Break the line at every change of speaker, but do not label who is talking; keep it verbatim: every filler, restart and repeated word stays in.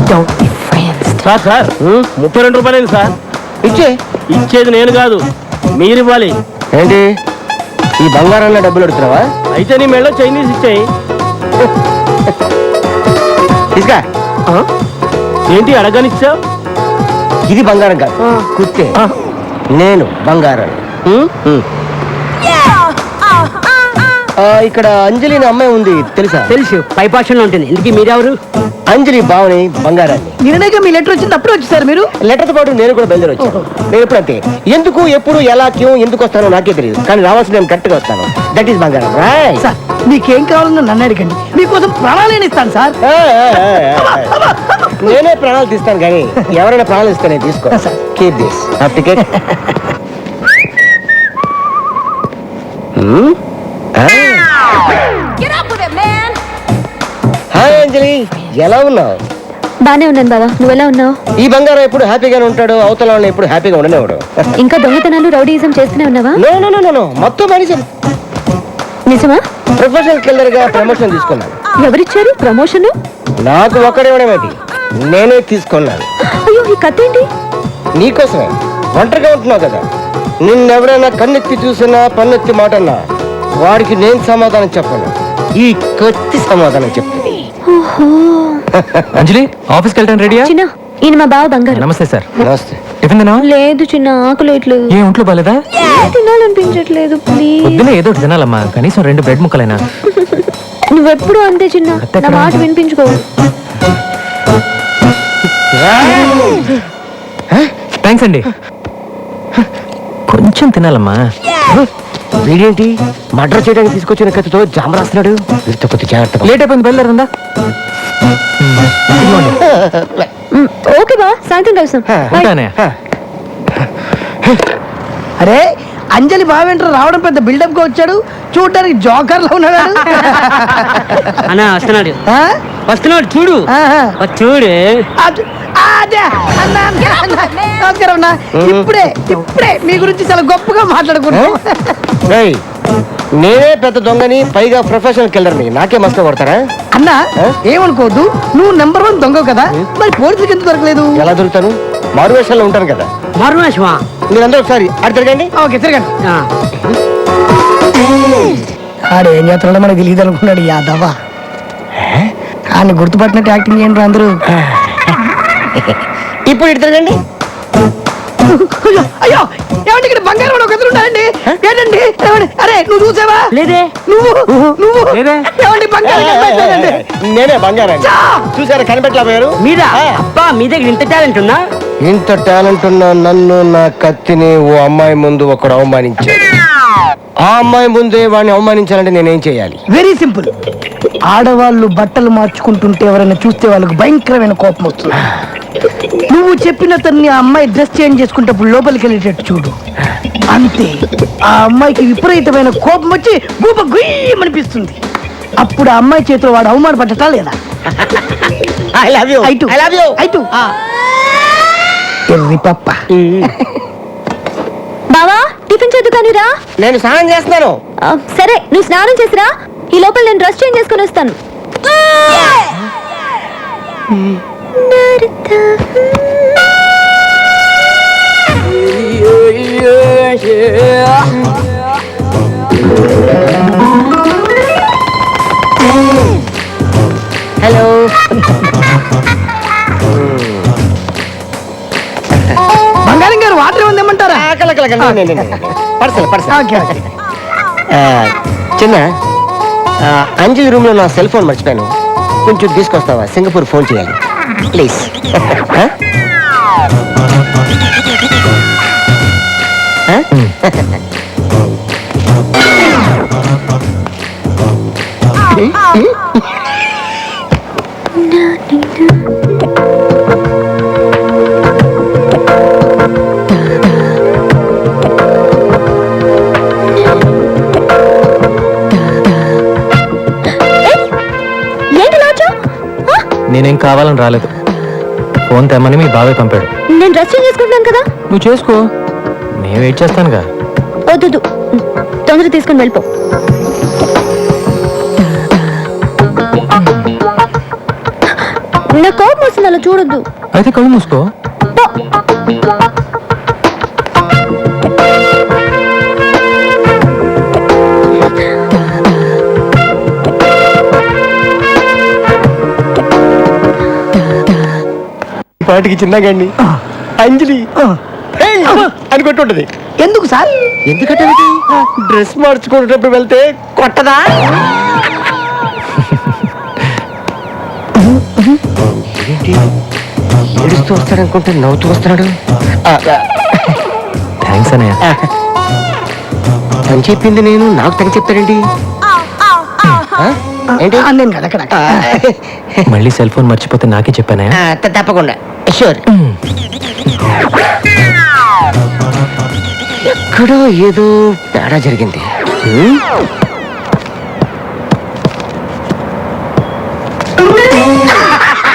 Sir sir ముప్పై రెండు రూపాయలు సార్.
ఇచ్చే
ఇచ్చేది నేను కాదు, మీరు ఇవ్వాలి.
ఏంటి ఈ బంగారంలో డబ్బులు అడుగుతున్నావా?
అయితే నీ మెళ్ళో చైనీస్ ఇచ్చేయి.
తీసుకా.
ఏంటి అడగనిచ్చావు?
ఇది బంగారం కాదు, కుత్తే. నేను బంగారం. ఇక్కడ అంజలి అనే అమ్మాయి ఉంది, తెలుసా?
తెలుసు, పైపాక్షంలో ఉంటుంది. ఇందుకీ మీరెవరు?
అంజలి బావని బంగారాన్ని.
నిన్నగా మీ లెటర్ వచ్చింది, అప్పుడు వచ్చేసారు మీరు?
లెటర్తో పాటు నేను కూడా బయలుదేరి వచ్చాను. నేను ఎప్పుడు అంతే, ఎందుకు ఎప్పుడు ఎలా క్యూ ఎందుకు వస్తానో నాకే తెలియదు, కానీ రావాల్సిన నేను కరెక్ట్ గా వస్తాను. దట్ ఈస్ బంగారం.
సార్ మీకేం కావాలన్నా నన్ను అడగండి, మీకోసం ప్రాణాలు ఇస్తాను సార్.
నేనే ప్రాణాలు తీస్తాను, కానీ ఎవరైనా ప్రాణాలు ఇస్తే నేను తీసుకో. Keep this ticket. Hi Anjali, ఎలా ఉన్నావు?
బానే ఉన్నాను బావా, నువ్వెలా ఉన్నావు?
ఈ బంగారం ఎప్పుడు హ్యాపీగానే ఉంటాడు, అవతల వాళ్ళని ఎప్పుడు హ్యాపీగా ఉండనేవాడు.
ఇంకా దొంగతనాలు రౌడీయిజం చేస్తూనే ఉన్నావా?
నో నో నో నో మొత్తం మనిషి.
నిజమా?
ప్రొఫెషనల్ కిల్లర్ గా ప్రమోషన్ తీసుకున్నాను.
ఎవరిచ్చారు ప్రమోషన్?
నాకు ఒక్కడేమేటి, నేనే తీసుకున్నాను.
అయ్యో, ఈ కథ ఏంటి?
నీకోసమే. ఒంటరిగా ఉంటున్నావు కదా, నిన్నెవరైనా కన్నెత్తి చూసినా పన్నెత్తి మాటన్నా వాడికి నేను సమాధానం చెప్పను, ఈ కత్తి సమాధానం చెప్తుంది.
అంజలి, ఆఫీస్కి వెళ్ళడానికి రెడీయా?
చిన్న, ఈయన మా బావ బంగారు.
నమస్తే సార్.
నమస్తే.
టిఫిన్ తినా?
లేదు చిన్న, ఆకలేట్లేదు.
ఏ ఒంట్లో బాలేదా?
తినాలనిపించట్లేదు, ప్లీజ్.
పొద్దునే ఏదో ఒకటి తినాలమ్మా, కనీసం రెండు బ్రెడ్ ముక్కలైనా.
నువ్వెప్పుడు అంతే చిన్న, నా మాట వినిపించుకో.
థ్యాంక్స్ అండి. కొంచెం తినాలమ్మా.
వీడేంటి మర్డర్ చేయడానికి తీసుకొచ్చిన కత్తితో జామ రాస్తున్నాడు? వీరితో కొద్ది జాగ్రత్త.
లేట్ అయిపోయింది, బయలుదేరుందా?
ఓకే బా, సాయంత్రం కలుస్తాం.
ఉంటానే.
అరే అంజలి బావేంటారు రావడం పెద్ద బిల్డప్ గా వచ్చాడు, చూడడానికి జోకర్ లో ఉన్నాడు.
అన్నా వస్తున్నాడు,
ఆ?
వస్తున్నాడు చూడు.
ఆహా.
వచ్చి చూడు.
అద్- అదే. అన్న, అన్న, అన్న. నమస్కారం అన్న. ఇప్పుడే ఇప్పుడే మీ గురించి చాలా గొప్పగా మాట్లాడుకున్నాం.
ఏయ్, నేనే పెద్ద దొంగని, పైగా ప్రొఫెషనల్ కిల్లర్ని, నాకే మస్తు కొడతారా?
అన్న ఏమనుకోవద్దు, నువ్వు నెంబర్ వన్ దొంగ కదా, మరి పోలీసులకు ఎందుకు దొరకలేదు?
ఎలా దొరుకుతాను? మారు వేషాల్లో ఉంటాను కదా.
మరునాశమా?
మీరందరూ ఒకసారి అటు తిరగండి.
ఓకే తిరగండి. ఆడు ఏం చేస్తున్నాడో మనకు తెలియదు అనుకున్నాడు యాదవా. ఆయన గుర్తుపట్టినట్టు యాక్టింగ్ చేయండి అందరూ.
ఇప్పుడు ఇటు తిరగండి.
అయ్యో అయ్యో, ఏమంటే ఇక్కడ బంగారం వాడు ఒక ఎదురు ఉన్నాడండి. ఏంటండి? ఏమండి? అరే నువ్వు చూసావా?
లేదే.
నువ్వు నువ్వు
లేదే.
ఏమండి బంగారం కనిపించలేదండి.
నేనే బంగారం.
చా!
చూసారా కనిపెట్టలేకపోయారు?
మీద అబ్బా, మీ దగ్గర ఇంత టాలెంట్ ఉందా?
ఇంత టాలెంట్ ఉన్న నన్ను, నా కత్తిని ఓ అమ్మాయి ముందు ఒకడు అవమానించాడు. ఆ అమ్మాయి ముందే వాడిని అవమానించాలంటే నేనేం చేయాలి?
Very simple. ఆడవాళ్ళు బట్టలు మార్చుకుంటుంటే ఎవరైనా చూస్తే వాళ్ళకి భయంకరమైన కోపం వస్తుంది. నువ్వు చెప్పిన తన్ని ఆ అమ్మాయి డ్రెస్ చేంజ్ చేసుకుంటప్పుడు లోపలికి వెళ్ళేటట్టు చూడు, అంతే. ఆ అమ్మాయికి విపరీతమైన కోపం వచ్చి గూప గుయ్యమనిపిస్తుంది. అప్పుడు ఆ అమ్మాయి చేతిలో వాడు అవమానపడ్డటా లేదా?
I love you.
ఐటు.
I love you.
ఐటు. ఎర్రి పప్ప.
బావా, టిఫిన్ చేద్దు కానీ రా.
నేను స్నానం చేస్తున్నాను.
ఆ, సరే నువ్వు స్నానం చేసిరా, ఈ లోపల నేను డ్రెస్ చేంజ్ చేసుకుని వస్తాను.
హలో.
బంగారం గారు వాటర్ ఉందేమంటారా?
Parcel parcel.
Okay okay.
చిన్న, ఆ, అంజలి రూమ్ లో నా సెల్ ఫోన్ మర్చిపోయాను, కొంచెం తీసుకొస్తావా? సింగపూర్ ఫోన్ చేయాలి ప్లీజ్.
నేనేం కావాలని రాలేదు, ఫోన్ తెమ్మని మీ బాబాయ్ పంపాడు.
నేను డ్రెస్ చేంజ్ చేసుకుంటున్నాను కదా.
నువ్వు చేసుకో, నేను వెయిట్ చేస్తానుగా.
వద్దు, తొందర తీసుకుని వెళ్ళిపో. నాకు కోపం వస్తుంది, అలా చూడొద్దు.
అయితే కళ్ళు మూసుకో.
పాటికి చిన్నగాండి అంజలి ఏయ్ అని కొట్టుంటది.
ఎందుకు సార్?
ఎందుకంటే డ్రెస్ మార్చుకునేటప్పుడు వెళ్తే కొట్టదా? ఏంటి ఏడుస్తూ వస్తాడనుకుంటే నవ్వుతూ వస్తున్నాడు. ఆ,
థ్యాంక్స్ అన్నయ్య.
అని చెప్పింది నేను, నాకు తగ్గ చెప్తాడేంటి? ఆ? ఏంటి
ఆ, నేను కదా అక్కడ
ఆ,
మళ్ళీ సెల్ ఫోన్ మర్చిపోతే నాకే చెప్పానయ్య.
ఆ, త- తప్పకుండా షూర్. ఎక్కడో ఏదో తేడా జరిగింది. హ్మ్?